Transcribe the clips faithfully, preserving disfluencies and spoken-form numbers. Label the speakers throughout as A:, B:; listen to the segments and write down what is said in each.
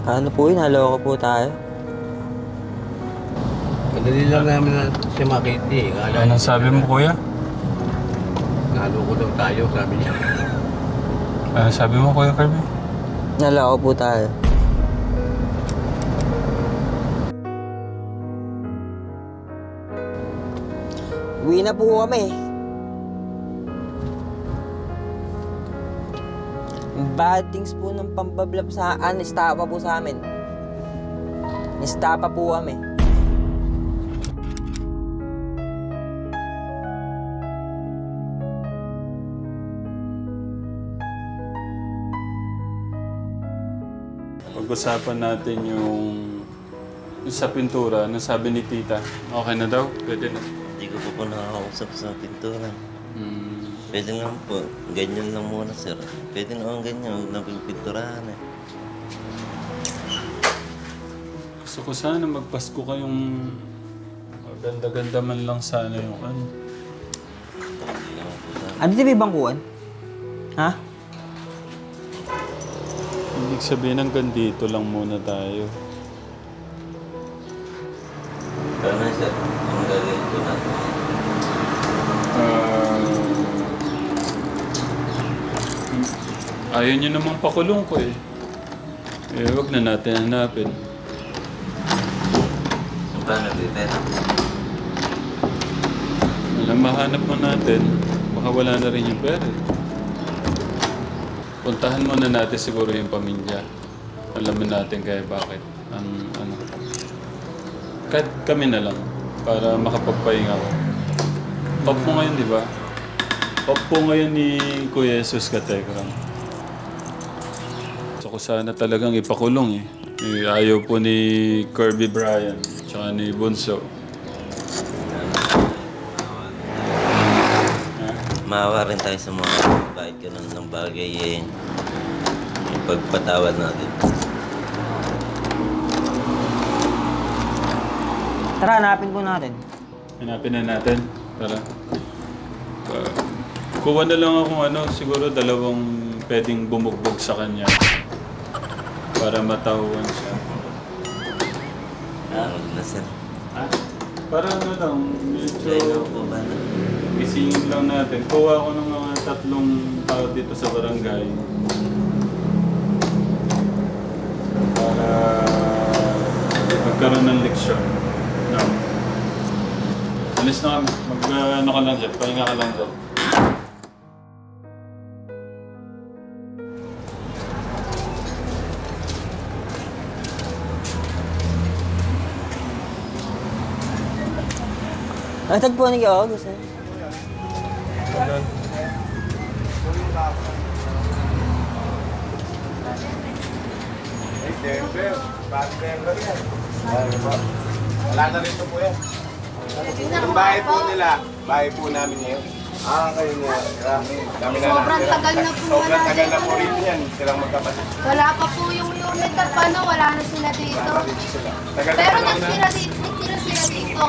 A: Ano po yun? Naloko po tayo.
B: Madali lang namin na siya makita eh. Kala
C: Anong sabi mo, kuya?
B: naloko daw tayo, sabi niya.
C: Ano sabi mo, Kuya Kirby?
A: Naloko po tayo. Uwi na po kami. Bad things po ng pambablab sa an, istapa po sa amin. Istapa po kami.
C: Pag-usapan natin yung, yung sa pintura. Ano sabi ni tita? Okay na daw? Pwede na.
D: Hindi ko pa po nakakausap sa pintura.
C: Hmm.
D: Pwede naman po. Ganyan lang muna, sir. Pwede naman ganyan. Huwag na pinturahan eh.
C: Gusto ko sana magpasko kayong ganda-ganda man lang sana yung ano.
D: Hindi naman po sa...
A: Ano dito may bangkuan? Ha?
C: Ibig sabihin hanggang dito lang muna tayo.
D: Paano, sir? Ang gagawin ko natin.
C: Ah, ayaw niyo namang pakulong ko eh. Eh, wag na natin hanapin.
D: Paano, Pipera?
C: Alam, mahanap mo natin. Baka wala na rin yung pera eh. Puntahan muna natin siguro yung pamilya. Alamin natin kaya bakit. Ang ano. Kahit kami na lang. Para makapagpahinga ko. Off mo ngayon, di ba? Off po ngayon ni Kuya Jesus Katekram. Gusto ko sana talagang ipakulong eh. Eh, Ayaw po ni Kirby Bryan. Tsaka ni Bunso.
D: Maawa rin tayo sa mga bakit ganun ng bagay eh. Yung pagpatawad natin.
A: Tara, hanapin po natin.
C: Hanapin na natin. Tara. Uh, kuha na lang akong ano, siguro dalawang pwedeng bumugbog sa kanya. Para matauhan siya.
D: Ah, wag na, sir.
C: Ha? Para ano lang, medyo
D: Kaya po ba na?
C: gisingin lang natin. Kuha ako ng mga tatlong tao dito sa barangay. Para magkaroon ng leksyon. No. Alis na kami. Mag, uh, ano ka lang dyan. Pahinga ka lang dyan.
A: Ang tagpo ni Kyo, gusto niyo?
B: December, bago December yan. Wala na rin ito po yan. Yung bahay po nila, bahay po namin yun. Ah, kayo niya. Kami na
E: Sobrang tagal na po
B: Sobrang
E: wala
B: tagal na
E: dito.
B: po rin yan. Silang magkapatid.
E: Wala pa po yung unit at paano, wala na sila dito.
B: Tagal na
E: Pero
B: po na.
E: nagtira dito, nagtira sila dito.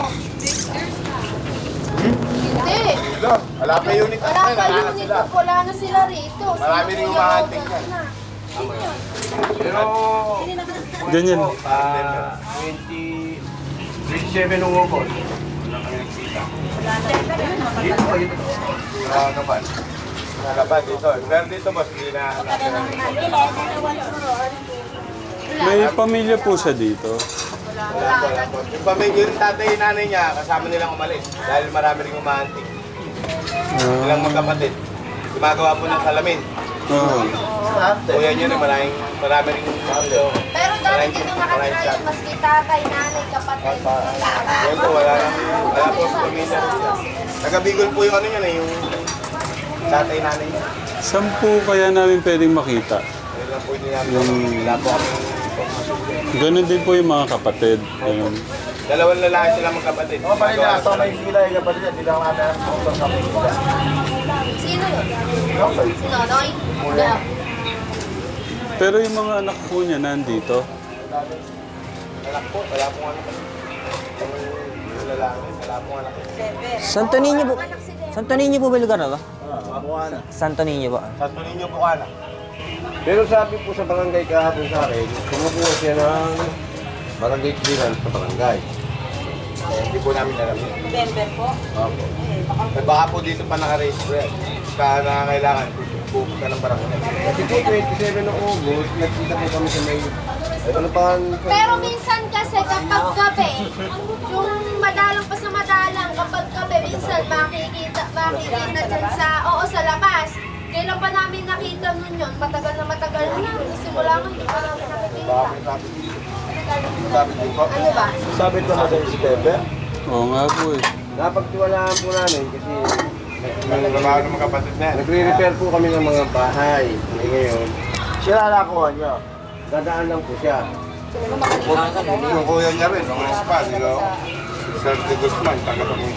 E: Hindi.
B: Ito, wala pa unit at
E: Wala
B: na,
E: pa
B: wala na
E: unit
B: sila.
E: at wala na sila rito.
B: Marami rin umahanting
E: yan.
B: yan. Pero,
C: Ganyan.
B: ah, twenty, twenty-seven nung ubos. Wala kami nagsita. Dito pa dito. Ah, kapan? Kapan dito. Pero dito boss, hindi na.
C: May pamilya po siya dito.
B: Wala po, wala po. Yung pamilya, yung tatay yung nanay niya, kasama nilang umalis. Dahil marami rin umahanting. Silang magkapatid. Gumagawa po ng salamin.
C: Oo.
B: Kuya niya rin, maraming, marami rin umahanting.
E: Pero dati dito nakatira yung maski tatay, nanay, kapatid.
B: Ngayon po, wala na. Wala po sa pamilya. Taga-Bicol po yung ano niya, yung tatay nanay niya.
C: Saan po kaya namin pwedeng makita?
B: Ayun lang po hindi namin. Wala po kami.
C: Ganun din po yung mga kapatid. Ganun.
B: Dalawang lalaki sila magkapatid. Oo, pa rin na. So may sila yung kapatid. Hindi lang kami ang kapatid.
E: Sino yun? Sino? Noy? Yeah.
C: Pero yung mga anak po niya nandito.
B: Anak po, wala pong anak. Yung lalaki, wala pong anak.
A: Santo Niño po. Santo Niño po ba lugar na ba?
B: Ah, mga
A: Santo Niño po.
B: Sa Tulinyo po ka anak. Pero sabi po sa barangay kahapon sa akin, kumukuha siya ng barangay clearance sa barangay. Eh, hindi po namin alam yun.
F: November po.
B: Opo.
F: Eh, baka
B: Eh, baka po dito pa naka-raise po yan. Kaya na kailangan pupunta ng barangay. Kasi po twenty-seven ng August, nagkita po kami sa may... Ano pa ang...
E: Pero minsan kasi kapag gabi, yung madalang pa sa madalang, kapag gabi, minsan makikita, makikita dyan sa, oo, sa labas. Kailan pa namin nakita nun yun? Matagal na matagal na. Simula nga, hindi pa namin nakikita.
B: Sabi, sabi, sabi din po.
E: Ano ba?
B: Sabi ko na sa September.
C: Oo nga po eh.
B: Napagtiwalaan po namin kasi trabaho ng mga kapatid na. Nagre-repair po kami ng mga bahay. Eh, ngayon, sila nakuha niya. Dadaan lang po siya.
G: Yung kuya niya rin, ang spa, you know, Sir De Guzman, taga Tabong.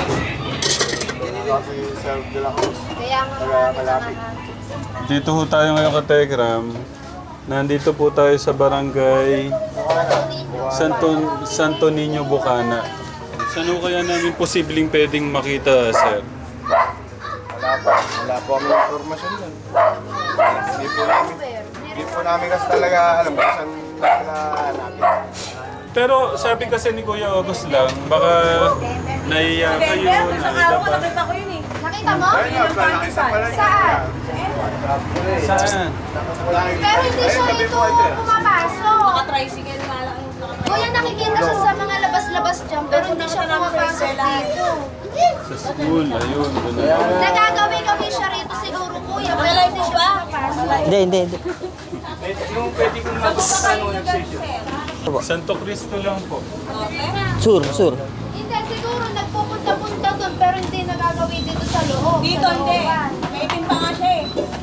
G: Si Sir De La Cruz,
E: Kaya nga,
G: taga Malapit.
C: Dito po tayo ngayon ka Telegram. Nandito po tayo sa barangay Santo, Santo Niño, Bukana. Saan ho kaya namin posibleng pwedeng makita, sir?
G: Wala po, wala po kami informasyon yan. Hindi po namin, hindi po namin kasi talaga alam kung saan sila hanapin.
C: Pero sabi kasi ni Kuya August lang, baka naiya kayo,
F: November, isang araw ko,
C: naiya
F: nakita ko yun eh.
E: nakita mo?
G: Ayun nga, plan nakita pala niya.
E: Saan?
C: Saan?
E: Pero hindi siya ito pumapasok.
F: Naka-tricycle nga lang.
E: Kuya, nakikita siya sa mga labas-labas dyan, pero hindi siya pumapasok dito.
C: Sa school, ayun. Doon na.
E: Nagagawi-gawi siya rito siguro, kuya, pero hindi siya pumapasok.
A: Hindi, hindi, hindi.
C: Yung pwede kong Santo Cristo lang po.
A: Sur, sur.
E: Hindi, siguro nagpupunta-punta doon, pero hindi nagagawi dito sa loob.
F: Dito,
E: sa
F: hindi.
E: looban.
F: May itim pa nga siya eh.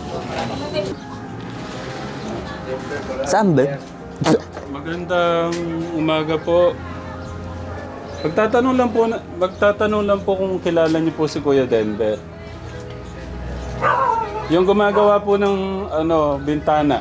A: Saan ba?
C: Magandang umaga po. Magtatanong lang po, na, magtatanong lang po kung kilala niyo po si Kuya Denver. Yung gumagawa po ng ano, bintana.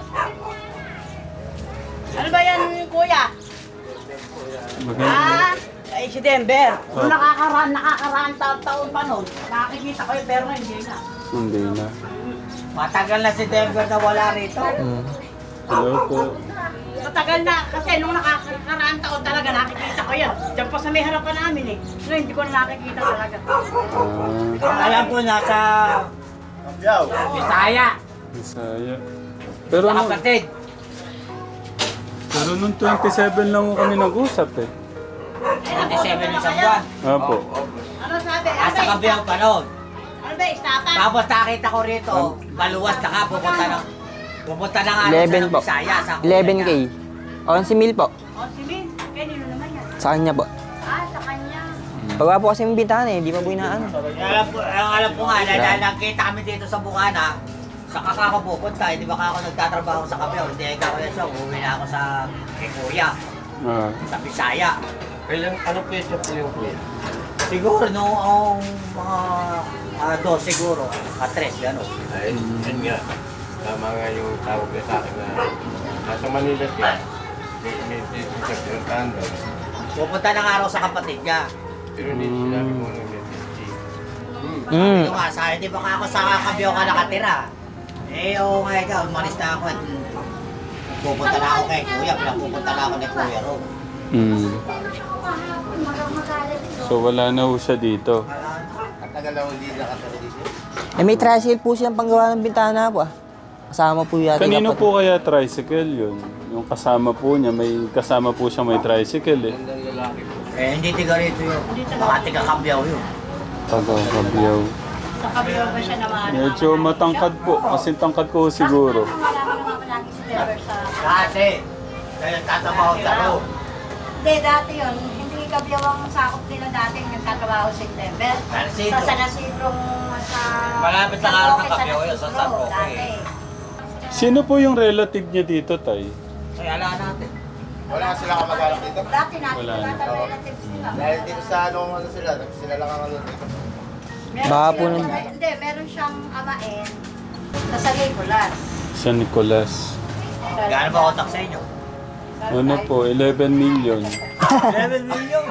F: Ano ba yan, kuya?
C: Maganda.
F: Ah, eh, si Denver. Nung nakakaraan, nakakaraan taon-taon pa nun, nakikita ko yun, pero ngayon hindi na.
C: Hindi na.
F: Matagal na si Denver na wala rito.
C: Hello po.
F: Matagal na, kasi nung nakakaraan taon talaga nakikita ko yan. Diyan pa sa may harapan namin eh. Ngayon hindi ko na nakikita talaga.
C: Ah,
F: Alam ko nasa
B: Yaw.
F: Bisaya,
C: Bisaya. Pero
F: sa
C: nung,
F: kapatid.
C: pero nung twenty-seven lang ho kami nag-usap eh.
F: twenty-seven isang buwan.
C: Apo.
F: Ano sabi? Asa kabi ang panahon. Ano ba, istapan? Tapos nakita ko rito, baluwas na ka, pupunta ng pupunta na nga
A: eleven
F: sa
A: po.
F: Bisaya. Sa
A: eleven K. O, si Mil po.
F: O, si Min, kaya nino naman yan.
A: Sa kanya po.
F: Ah, sa kanya.
A: Pagwa po kasi yung bintana eh, di pa po inaano.
F: Alam po, ang alam ko nga, dahil nakita kami dito sa Bukana, sa kaka ko pupunta, hindi ba ako nagtatrabaho sa Kabiyaw, hindi ka kuya siya, uuwi na ako sa kay Kuya,
C: Ah.
F: sa Bisaya.
B: Kailan, anong pwesto po yung kuya?
F: Siguro noong mga uh, dos siguro, katres, gano'n.
B: Ay, yun nga. Tama nga yung tawag niya sa akin na nasa Manila siya. May may may siya pinuntahan doon.
F: Pupunta ng araw sa kapatid niya.
B: Pero hindi sinabi mo ng message.
A: Mm.
F: Ito nga, sa hindi ba ako sa Kabiyaw ka nakatira? Eh, oo nga ikaw, umalis na ako at pupunta na ako kay Kuya, pinapupunta na ako ni Kuya Ro.
C: Mm. So wala na ho siya dito.
B: Katagal na hindi nakatira dito.
A: Eh, may tricycle po siyang panggawa ng bintana po ah. Kasama po yata.
C: Kanino
A: dapat-
C: po kaya tricycle yun? Yung kasama po niya, may kasama po siya may tricycle eh.
B: Gandang lalaki po.
F: Eh, hindi tiga rito yun. Baka tiga Kabiyaw yun.
C: Taga-Kabiyaw.
F: Sa Kabiyaw ba siya naman?
C: Medyo matangkad po. Kasi tangkad ko siguro.
F: Dati, kaya tatabaho sa ro.
H: Hindi, dati yun. Hindi Kabyaw ang sakop nila dati yung nagtatrabaho sa September.
F: San Isidro.
H: Sa San Isidro, sa...
F: Malapit lang
H: San
F: araw ng
H: Roque, San
F: Kabyaw yun, sa
H: Isidro,
F: San Roque.
H: dati.
C: Sino po yung relative niya dito, Tay?
F: Kaya ala natin.
G: Wala sila kamag-anak dito.
H: Dati natin,
C: Wala na.
H: dati relatives nila.
G: Dahil dito sa ano, ano sila, sila lang ang ano dito.
H: Meron
A: Baka po
H: silang-
A: nun-
H: Hindi, meron siyang amain na sa Nicolas.
C: San Nicolas.
F: Gaano ba utak sa inyo?
C: Ano po, eleven million.
F: eleven million.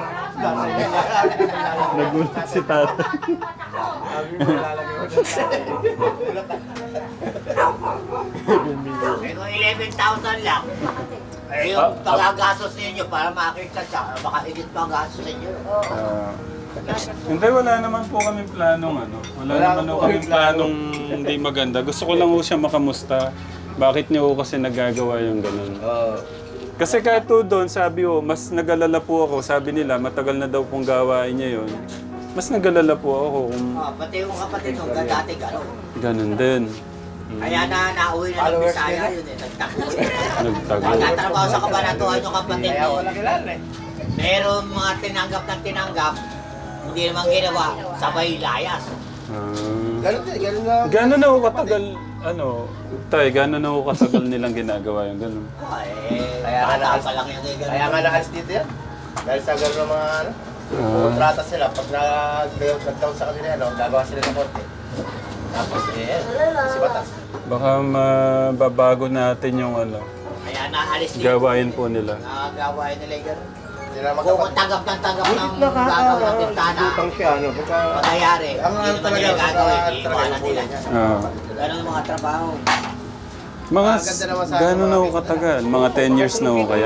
C: Nagulat si tatay.
B: Sabi mo, lalagay mo
F: Eh kung eleven thousand lang, eh
C: Ah,
F: yung pagagastos ninyo para makita siya, baka higit pa ang gastos ninyo.
C: Ah, hindi, wala naman po kaming planong ano. Wala, naman po kaming planong hindi maganda. Gusto ko lang po siya makamusta. Bakit niyo po kasi nagagawa yung ganun? Kasi kahit po doon, sabi ko, mas nag-alala po ako. Sabi nila, matagal na daw pong gawain niya yun. Mas nag-alala po ako kung
F: Ah, pati yung kapatid nung dati gano'n.
C: ganun din.
F: Kaya na nauwi na ng Bisaya yun eh, nagtago.
C: Nagtago.
F: Nagtatrabaho sa kabanatuan yung kapatid mo. Meron mga tinanggap ng tinanggap, hindi naman ginawa, sabay layas.
C: Ah.
G: Ganun din, ganun na.
C: Gano'n na ako katagal, ano, tay, gano'n na ako katagal nilang ginagawa yung ganun.
F: Ah, eh,
G: Kaya nga
F: bata
G: naalis,
F: pa lang yun eh, ganun.
G: kaya nga naalis dito yan. Dahil sa gano'n ng mga ano,
C: Ah.
G: kontrata sila. Pag nag- nagtaon sa kanila, ano, gagawa sila ng korte. Tapos eh, si Batas.
C: Baka mababago natin yung ano,
F: Kaya naalis din.
C: gawain po nila.
F: Nakagawain nila yung gano'n.
G: Hindi na
F: Kung
G: magkapat.
F: tanggap ng tanggap ng gagawin ng bintana,
G: Utang siya, ano, pagka...
F: mangyayari,
G: Ang
F: hindi
G: ano
F: naman
G: talaga,
F: nila gagawin,
G: talaga
F: iiwanan
G: yung
F: nila.
G: kulay niya.
C: Ah.
F: Ganun ang mga trabaho.
C: Mga,
G: Ang ganda naman sa
C: gano'n na
G: mga
C: ako katagal? Mga ten years na ako kaya?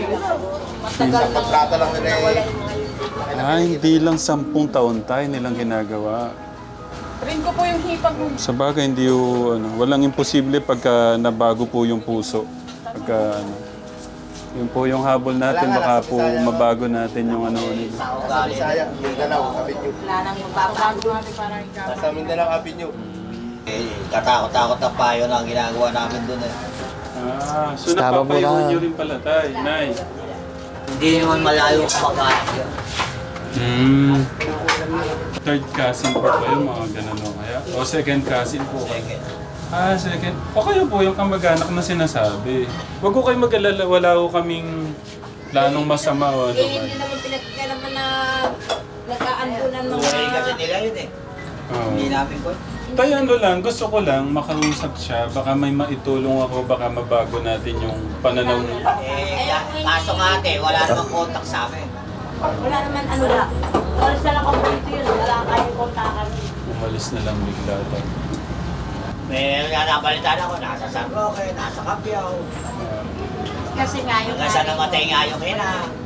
G: Sa kontrata lang nila eh.
C: Ah, hindi lang sampung taon tayo nilang ginagawa.
I: Rin ko po yung hipag mo.
C: Sa bagay, hindi yung, ano, walang imposible pagka nabago po yung puso. Pagka, ano, yun po yung habol natin, baka po mabago natin yung ano nila.
F: Sa
G: Sa
F: ugali.
G: Bisaya, Mindanao, Avenue.
H: Wala nang magbabago.
I: Para ikaw.
G: Sa Mindanao Avenue.
F: Eh, katakot-takot na payo na ang ginagawa namin doon eh.
C: Ah, so
A: Tama po
C: napapayuhan
A: na.
C: nyo rin pala tayo, Nay.
F: Hindi naman malayo kumakain yun.
C: Hmm. Third cousin po kayo, mga ganun o kaya? O second cousin po kayo?
F: Second.
C: Ah, second. O kayo po yung kamag-anak na sinasabi. Huwag ko kayo mag-alala, wala ko kaming planong masama o ano
H: Eh,
C: man.
H: hindi naman pinagkailaman na nagkaambunan ng
F: Buhay kasi
H: mga...
F: nila yun eh.
C: Oo.
F: Hindi namin po.
C: Tayo ano lang, gusto ko lang makausap siya, baka may maitulong ako, baka mabago natin yung pananaw niya.
F: Eh, ka- kaso nga ate, wala namang contact sa amin.
H: Wala naman ano lang. Oras na lang complete yun. Wala kayong kontakan.
C: Umalis na lang bigla tayo.
F: May nabalitaan ako, nasa San Roque, nasa Capiao.
H: Kasi nga yung...
F: Hanggang sa namatay nga yung ina.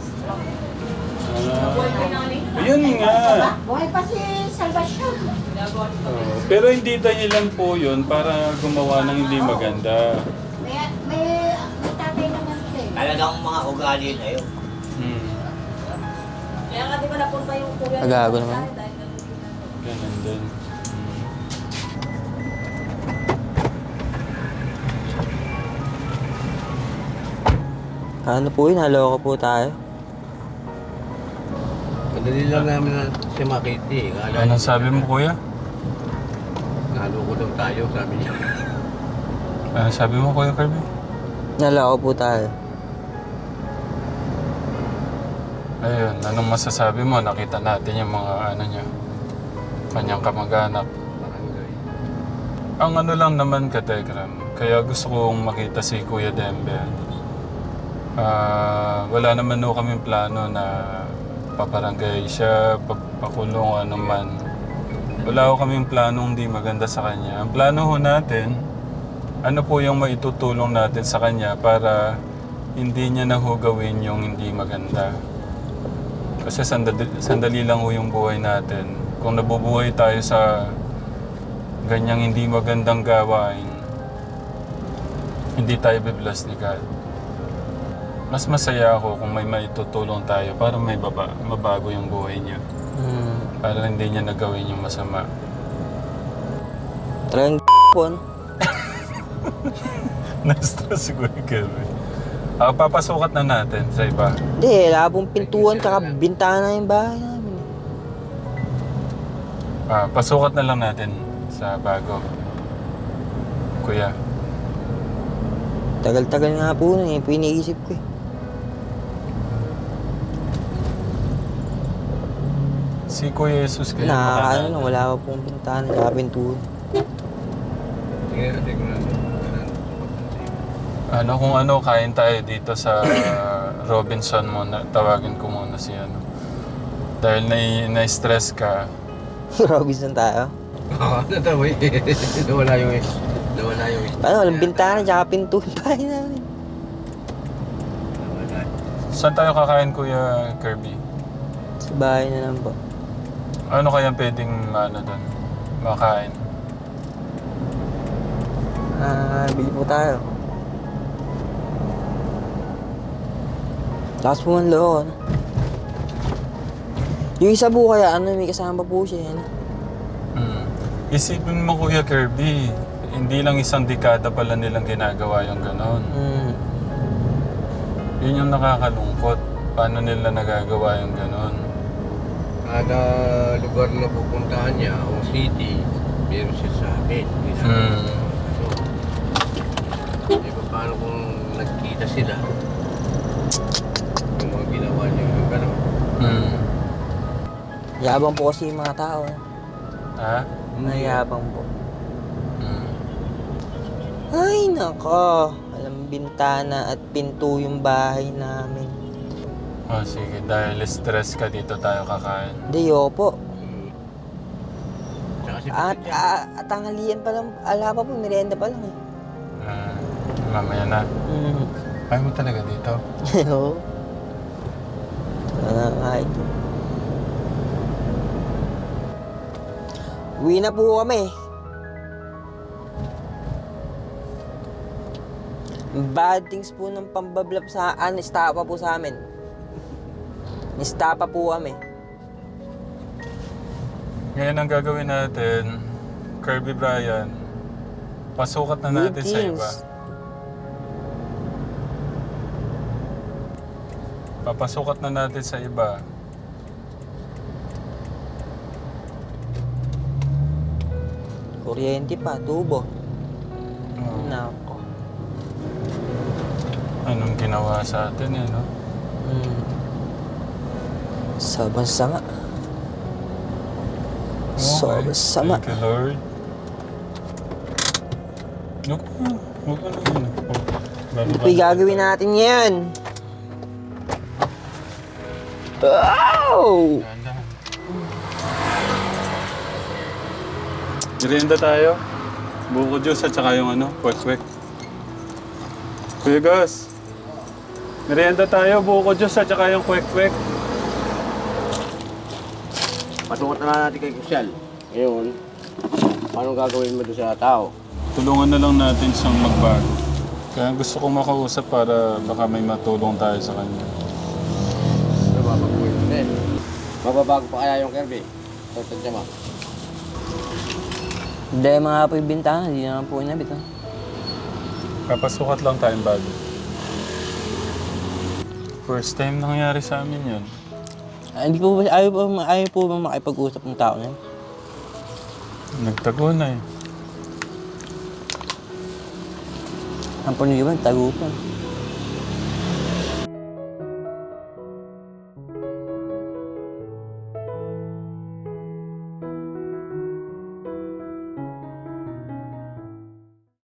C: Ah, yun nga.
H: Buhay pa si Salvation.
C: Oo. Pero hindi dahilan po yun para gumawa ng hindi maganda.
H: May, may, may tatay naman siya eh.
F: Talagang mga ugali na yun.
C: Hmm.
H: Kaya nga di ba napunta yung kuya
A: Agago naman.
C: Ganun din.
A: Ano po yun? Naloko po tayo.
B: Madali lang namin na siya makita eh. Kala
C: Anong sabi mo, kuya?
B: naloko daw tayo, sabi niya.
C: Anong sabi mo, kuya Kirby?
A: Naloko po tayo.
C: Ayun, anong masasabi mo? Nakita natin yung mga ano niya, kanyang kamag-anak.
B: Barangay.
C: Ang ano lang naman ka, Tegram, kaya gusto kong makita si Kuya Dembe. Ah, wala naman no kaming plano na paparangay siya, papakulong ano man. Wala ko kaming planong hindi maganda sa kanya. Ang plano ho natin, ano po yung maitutulong natin sa kanya para hindi niya na ho gawin yung hindi maganda. Kasi sandali, sandali lang ho yung buhay natin. Kung nabubuhay tayo sa ganyang hindi magandang gawain, hindi tayo bibless ni God. Mas masaya ako kung may maitutulong tayo para may baba, mabago yung buhay niya.
A: Hmm.
C: Para hindi niya nagawin yung masama.
A: Talagang po, no?
C: Na-stress si Kuya Kevin. Ah, papasukat na natin sa iba.
A: Hindi, wala pong pintuan tsaka bintana yung bahay namin.
C: Ah, pasukat na lang natin sa bago. Kuya.
A: Tagal-tagal nga po nun eh. Piniisip ko eh.
C: Si Kuya Jesus kayo
A: Nakakaano na, wala pa pong bintana tsaka pintuan.
B: Sige, hindi ko na.
C: Ano kung ano, kain tayo dito sa Robinson muna. Tawagin ko muna si ano. Dahil na, na-stress ka.
A: Robinson tayo.
B: Oo, natawa eh. Nawala yung eh. Nawala yung isa.
A: Paano, walang bintana, tsaka pinto yung bahay namin.
C: Saan tayo kakain, Kuya Kirby?
A: Sa bahay na lang po.
C: Ano kaya pwedeng ano doon? Makain?
A: Ah, bili po tayo. Tapos po man loob, ano? Yung isa po kaya, ano, may kasama po siya, ano?
C: Hmm. Isipin mo, Kuya Kirby, hindi lang isang dekada pala nilang ginagawa yung ganon.
A: Hmm.
C: Yun yung nakakalungkot. Paano nila nagagawa yung ganon?
B: Kada lugar na pupuntahan niya, o city, meron siya sa amin.
C: Hmm.
B: So, di ba paano kung nagkita sila? Yung mga ginawa niya yung gano'n.
C: Hmm.
A: Yabang po kasi yung mga tao, eh.
C: Ha?
A: Mayabang po.
C: Hmm.
A: Ay, nako. Alam, bintana at pinto yung bahay namin.
C: Oh, sige. Dahil stress ka, dito tayo kakain.
A: Hindi, opo.
B: Tsaka si
A: At,
B: Pete,
A: at, at tanghalian pa lang, ala pa po, merienda pa lang, eh.
C: Ah, mamaya na.
A: Mm.
C: Ayaw mo talaga dito?
A: Oo. Wala kahit. Uwi na po kami. Bad things po ng pambablap sa an, istapa po sa amin. Istapa po kami.
C: Ngayon ang gagawin natin, Kirby Brian, pasukat na natin sa
A: Meetings.
C: iba. Papasukat na natin sa iba.
A: Kuryente pa, tubo.
C: Oh,
A: Nako.
C: anong ginawa sa atin eh, no?
A: Hmm. Sobrang sama. Sobrang sama.
C: Thank you, Lord. Huwag ka na. Huwag ka na yun. Oh,
A: Ano po yung gagawin natin ngayon? Wow!
C: Dahan-dahan. Merienda tayo. Buko juice at saka yung ano, kwek-kwek. Kuya Gus, merienda tayo, buko juice at saka yung kwek-kwek.
B: Pasukat na natin kay Kusyal. Ngayon, paano gagawin mo doon sa tao?
C: Tulungan na lang natin siyang magbago. Kaya gusto kong makausap para baka may matulong tayo sa kanya.
B: Nababago yun din. Mababago pa kaya yung Kirby? Tantadya mo.
A: Hindi mga po yung bintana, hindi naman po inabit. Ha?
C: Kapasukat lang tayong bago. First time nangyari sa amin yun.
A: Ah, hindi po ba, ayaw po, ayaw po ba makipag-usap ng tao na yun?
C: Nagtago na eh.
A: Ang puno yun, tagupan.